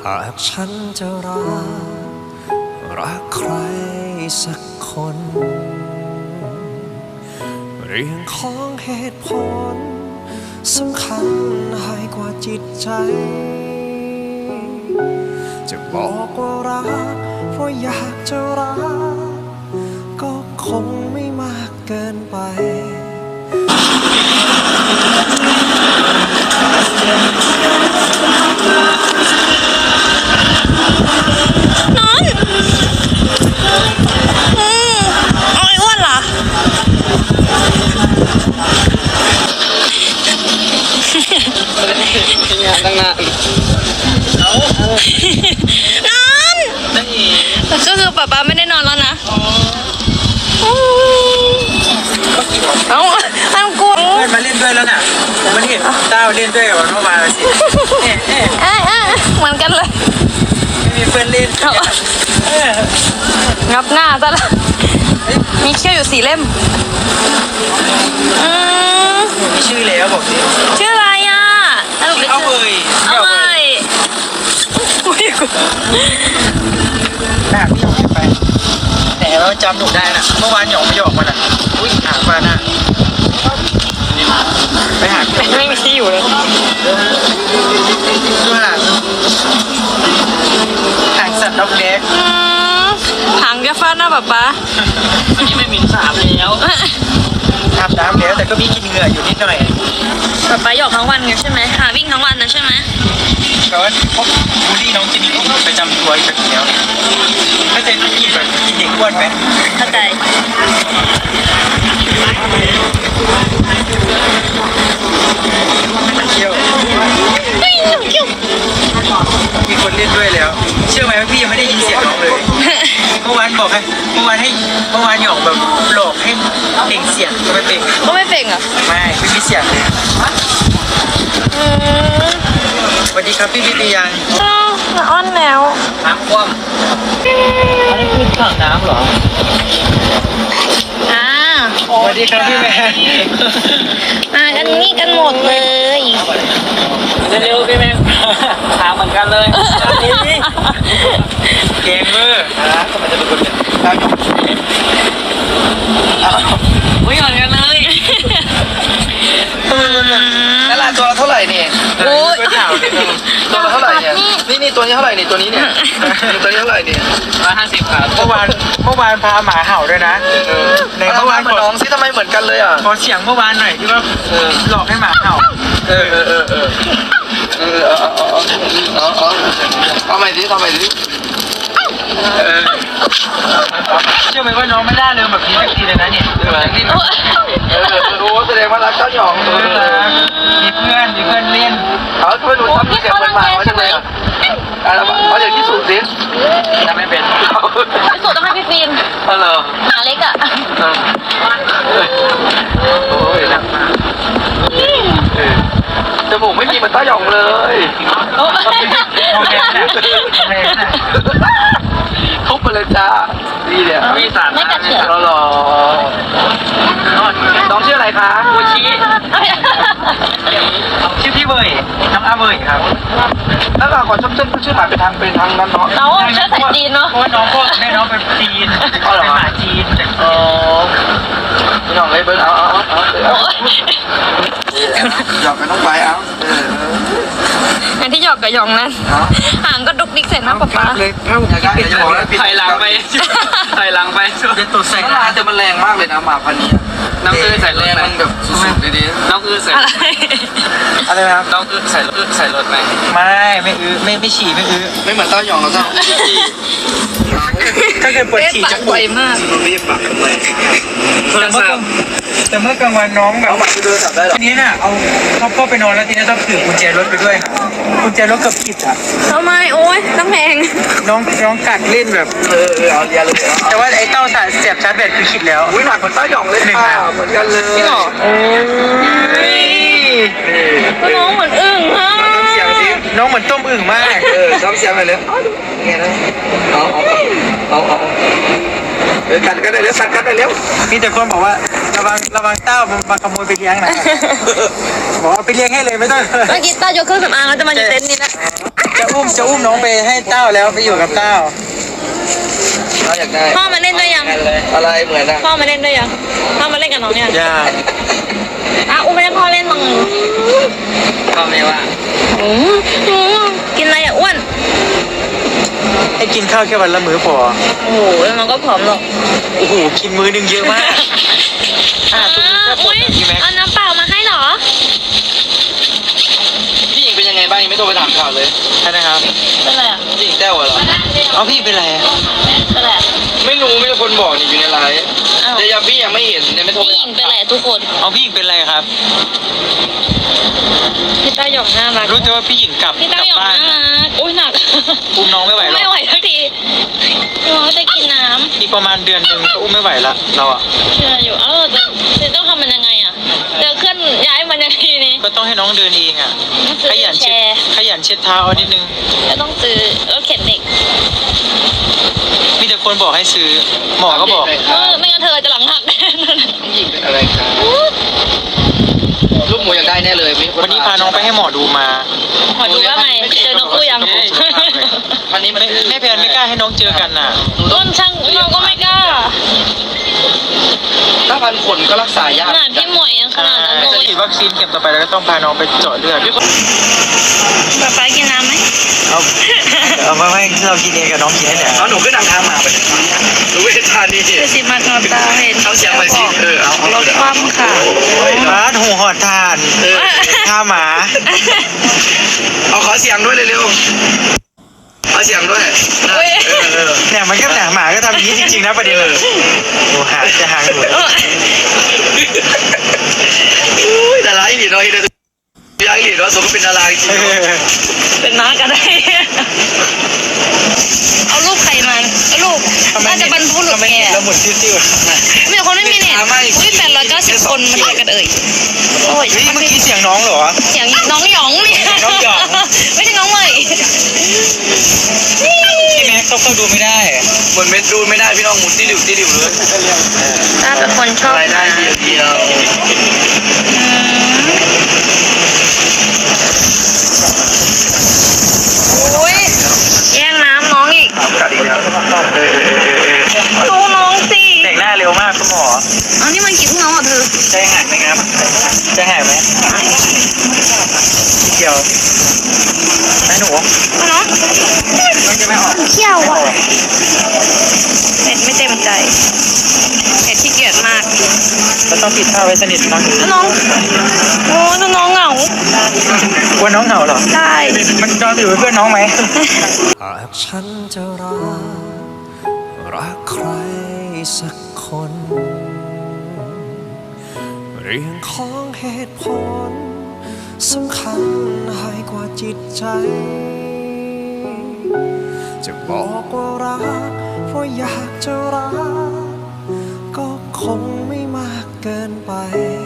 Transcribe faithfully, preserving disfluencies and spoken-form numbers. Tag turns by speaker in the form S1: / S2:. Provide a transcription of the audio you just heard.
S1: หากฉันจะรักรักใครสักคนเรื่องของเหตุผลสำคัญให้กว่าจิตใจจะบอกว่ารักเพราะอยากจะรักก็คงไม่มากเกินไป
S2: นอนอืมเอาไอ้อ้วนเหรอ
S3: งานตั้งนานเอา
S2: นอนก็คือป๊าป๊าไม่ได้นอนแล้วนะเอาอันกลัว
S3: เพื่อนมาเล่นด้วยแล้วน่ะมันเห็นเต้าเล่นด้วยกับมันเมื่อวานสิเอ๊ะเอ๊ะ
S2: เอ๊ะเอ๊ะเหมือนกันเลย
S3: ไม่มีเพื่อนเล่น
S2: งับหน้าซะละมีเขี้ยวอยู่สี่เล่มอืม
S3: มีชื่อแล้วบอกสิ
S2: ชื่ออะไรอ่ะ
S3: เอาเอ่ย
S2: เอาเอ่ยอุ้ยกู
S3: หน้าพี่หยองไปแต่เราจำหนูได้น่ะเมื่อวานหยองไม่หยอกมันอ่ะอุ้ยหาปลาหน้าไปหา
S2: ไม่มีที่อยู่เลย
S3: ด้วยล่ะหางสัตว์ด็อกเด็ก
S2: หางแกฟาดหน้าป๊าป๊า
S3: วันนี้ไม่มีสามแล้วอาบน้ำแล้วแต่ก็มีกินเหงื่ออยู่นิดหน่อย
S2: ป๊าป๊าหยอกทั้งวันไงใช่ไหมหาวิ่งทั้งวันนะใช่ไหม
S3: แต่ว่าพวกบูลลี่น้องจินนี่ก็ประจำตัวอยู่แล้วถ้าจะกินแบบกินเด็กอ้วนไหม
S2: เข้าใจ
S3: มันเที่ยวมีคนเล่นด้วยแล้วเชื่อไหมว่าพี่ยังไม่ได้ยินเสียงน้องเลยเมื่อวานบอกให้เมื่อวานให้เมื่อวานหยอกแบบหลอกให้เป่งเสียงก็ไม่เป่ง
S2: ก็ไม่เป่งอ่ะ
S3: ไม่ไม่มีเสียงเลยสวัสดีครับพี่พิทยัง
S2: อ้อนแล้ว
S3: น้ำคว่ำอันนี้คือถังน้ำเหรอ
S2: อ่า
S3: สวัสดีครับพี่แมน
S2: มากันนี่กันหมดเลย
S3: เร็วๆพี่แมนถามเหมือนกันเลยเกมเมอร์นะทำไมจะเป็นคนเนี่ยดาวหยก
S2: อุ้ยเหมือนกันเลย
S3: นั่นแหละตัวละเท่าไหร่เนี่ยโอ้ยตัวละเท่าไหร่เนี่ยนี่นี่ตัวนี้เท่าไหร่เนี่ยตัวนี้เนี่ยตัวนี้เท่าไหร่เนี่ยร้อยห้าสิบครับเมื่อวานเมื่อวานพาหมาเห่าด้วยนะในเมื่อวานเหมือนน้องซิทำไมเหมือนกันเลยอ่ะขอเสียงเมื่อวานหน่อยที่ว่าหลอกให้หมาเห่าเออเออเออเออเออเอาเอาเอาเอาเอาเอาใหม่ดิทำใหม่ดิเชื่อไหมว่าน้องไม่ได้เลยแบบนี้สักทีเลยนะเนี่ยนี่เออโอ้แสดงว่ารักเจ้าหยองมีเพื่อนมีเพื่อนเล่นเขาทำไมหนูทำเสียงเป็นหมาไว้จังเลยอ่ะอะไรบ้างเขาอยากที่สุดสิทำไม่เป็นที่
S2: สุดต้องให้พี่ฟิล์ม
S3: เออ
S2: หมาเล็กอ่ะ
S3: โอ้ยหนักมากจมูกไม่มีเหมือนเต้าหยองเลยทุบไปเลยจ้าดีเลย
S2: ไม่กัดเฉื่อย
S3: รอรอน้องชื่ออะไรคะโอชิชื่อพี่เบยน้องอาเบยครับแล้วเราขอชมเชนชื่อหมาเป็นทางเป็นทางนั้นเนาะ
S2: เราเชื้อสายจีนเนาะ
S3: เพราะว่าน้องพ่อแม่น้องเป็นจีนเป็นหมาจีนอ๋อพี่น้องเลยเบิ้ลเอาเอาเอาหยอกกันต้องไปเอา
S2: อย่างที่หยอกกับหยองนั้นห่างก็ดุกดิกเสร็จนะป๊าป๊า
S3: เลยถ้าผมอยากจะบอกแล้วถ่ายหลังไปถ่ายหลังไปเป็นตัวใส่น้ำแต่มันแรงมากเลยนะหมาพันนี้น้องคือใส่แรงมันแบบสุดๆดีๆน้องคือใส่อะไรอะไรครับน้องคือใส่ใส่รถไหมไม่ไม่อื้อไม่ไม่ฉี่ไม่อื้อไม่เหมือนเต้าหยองเราเต้าถ้าเกิดปวดฉี่จะปวดมากรีบปากทำไมแต่เมื่อแต่เมื่อกลางวันน้องแบบเอาหมาไปดูสับได้หรอทีนี้น่ะเอาเขาพ่อไปนอนแล้วทีนี้ต้องถือกุญแจรถไปด้วยค่ะกุญแจรถกับผิดอ่ะ
S2: ทำไมโอ๊ยน้ำแพง
S3: น้องน้องกัดเล่นแบบเออเออเอาเรียเลยแต่ว่าไอ้เต้าสายเสียบชาร์จแบตคือผิดแล้วอุ้ยหนักเหมือนเต้าหยองเลยค่ะเหมือนกันเลย
S2: พี่หรอโอ้ยน้องเหมือนอึ่งฮะ
S3: เสียงสิน้องเหมือนต้มอึ่งมากเออซ้อมเสียงไปเลยไงนะเอาเอาเอาเอาเดี๋ยวกันก็ได้เดี๋ยวสั่งกันได้เร็วมีแต่คนบอกว่าระวังระวังเต้ามาขโมยไปเลี้ยงนะบอกว่าไปเลี้ยงให้เลยไม่ต้อง
S2: เมื่อกี้เต้ายกเครื่องสำอางแล้วจะมาอยู่เต็นท์นี่นะ
S3: จะอุ้มจะอุ้มน้องไปให้เต้าแล้วไปอยู่กับเต้าเราอยากได้
S2: พ่อมาเล่นด้วยยัง
S3: อะไรเหมือนอ่ะ
S2: พ่อมาเล่นด้วยยังพ่อมาเล่นกับน้องยัง
S3: ยาก
S2: อ่ะอุ้มไปให้พ่อเล่นตรงนึง
S3: พ่อไม่ว่า
S2: อืมอืมกินอะไรอ่ะอ้วน
S3: ให้กินข้าวแค่วันละมื้อพอ
S2: โอ้โหแล้วมันก็ผอมหรอก
S3: โอ้โหกินมื้อนึงเยอะมากอ่าตรงนี้แค่ปว
S2: อุ้
S3: ด
S2: ย
S3: พี่แม็ก
S2: เอาน้ำเปล่ามาให้เหรอ
S3: พี่หญิงเป็นยังไงบ้างยังไม่โทรไปถามข่าวเลยใช่นะครับ
S2: เป็นไรอ่ะ
S3: พี่หญิงแต้วเหรอเอาพี่เป็นไร
S2: เป็นไรอ่ะ
S3: ไม่รู้ไม่มีคนบอกนี่อยู่ในไลน์
S2: อ้าว
S3: เดี๋ยวยังพี่ยังไม่เห็นยังไม่โทร
S2: พี่หญิงเป็นไรทุกคน
S3: เอาพี่หญิงเป็นไรครับ
S2: พี่ต้าหยองน่ารัก
S3: รู้แต่ว่าพี่หญิงกลับ
S2: พี่ต้าหยอง
S3: บ้าน
S2: น่ารักอุ้ยหนัก
S3: อุ้มน้องไม่ไหวหร
S2: ไม่
S3: อก
S2: ไหวทักทีน้องจะกินน้
S3: อีกประมาณเดือนหนึ่งก็อุ้มไม่ไหวละเราอ่ะ
S2: ำเชื่ออยู่เออจะจะต้องทำมันยังไงอ่ะจะเคลื่อนย้ายมันยังไงนี่
S3: ก็ต้องให้น้องเดินเองอ่ะ
S2: ต้องซื้
S3: ข
S2: อ
S3: ยัน
S2: แช
S3: เช็ด
S2: ร์
S3: ขยันเช็ดเท้าเอานิดนึง
S2: จะต้องซื้อรถเข็นเด็ก
S3: มีแต่คนบอกให้ซื้อหมอก็บอก
S2: เออไม่งั้นเธอจะหลังหักแน่
S3: หญิงเป็นอะไรครับลูกหมูอยากได้แน่เลยวันนี้พาน้องไปให้หมอดูมา
S2: ขอดูว่าไงเจอนกคู่ยัง
S3: วันนี้ไม่แม่แพนไม่กล้าให้น้องเจอกันน่ะ
S2: ต้นช่างน้องก็ไม่กล้า
S3: ถ้าพันขนก็รักษายาก
S2: ขนาดพี่หมวยยังขนาดนั้นเล
S3: จะ
S2: ย
S3: ฉีดวัคซีนเข็มต่อไปแล้วก็ต้องพาน้องไปเจาะเลือด
S2: ป๊าป๊ากินน้ำไหม
S3: เอาเอาไม่ไม่เรากินเองกับน้องกินนี่แหละเอาหนูขึ้นนางทางมาไปหนูเวทานี
S2: คือสิมากนอนตาเห็น
S3: เอาเสียงไปสิเออเอาเอา
S2: รถคว่ำค่ะ
S3: ร้านหูหอดทานท่าหมา เอาขอเสียงด้วยเร็วๆขอเสียงด้วยเนี่ยมันก็หนังหมาก็ทำอย่างนี้จริงๆนะประเด็นโอ้หาจะหางหนูอุ้ยดาราอีหลีน้อยเลยยายอีหลีน้อยสมก็เป็นดาราจริง
S2: เป็นน้าก็ได้ เอารูปใครมาเอารูปน่าจะบรรพุหลุดแก
S3: แล้วหมุนติ้วๆ
S2: มีคนไม่มีเน็ตอุ้ยแปดร้อยเก้าสิบคนมันอะไรกันเอ่ยโอ้ย
S3: เฮ้ยเมื่อกี้เสียงน้องเหรอ
S2: เสียงน้องหยองเนี่ย
S3: น้องหยอง
S2: ไม่ใช่น้องเมย
S3: พี่แม็กเขาเข้าดูไม่ได้เหมือนเม็ดดูไม่ได้พี่น้องหมุนติ้วติ้วเลย
S2: ถ้าเป็นคนชอบ
S3: รายได้เดียวเดียว
S2: โอ้ยแย่งน้ำน้องอีก
S3: กัดอีกแล้ว
S2: ดูน้องสิ
S3: แต่งหน้าเร็วมากคุณหมอ
S2: เอานี่มันกี่ทุ่งน้องอ่ะเธอ
S3: ใจหายไหมครับใจหายไหมเกี่ยวแม่หนู
S2: เอาเนาะ
S3: มันจะไม่ออก
S2: เขี้ยวอ่ะเน็ตไม่เต็มใจเน็ตขี้เกียจมาก
S3: เราต้องปิดผ้าไว้สนิทน้อง
S2: แล้วน้องโอ้แล้วน้องเหงาก
S3: ลัวน้องเหงาเหรอ
S2: ใช่
S3: มันนอนอยู่เป็นเพื่อนน้องไหม
S1: หากฉันจะรัก รักใครสักคน เรื่องของเหตุผลสำคัญให้กว่าจิตใจ จะบอกว่ารักเพราะอยากจะรัก ก็คงไม่มากเกินไป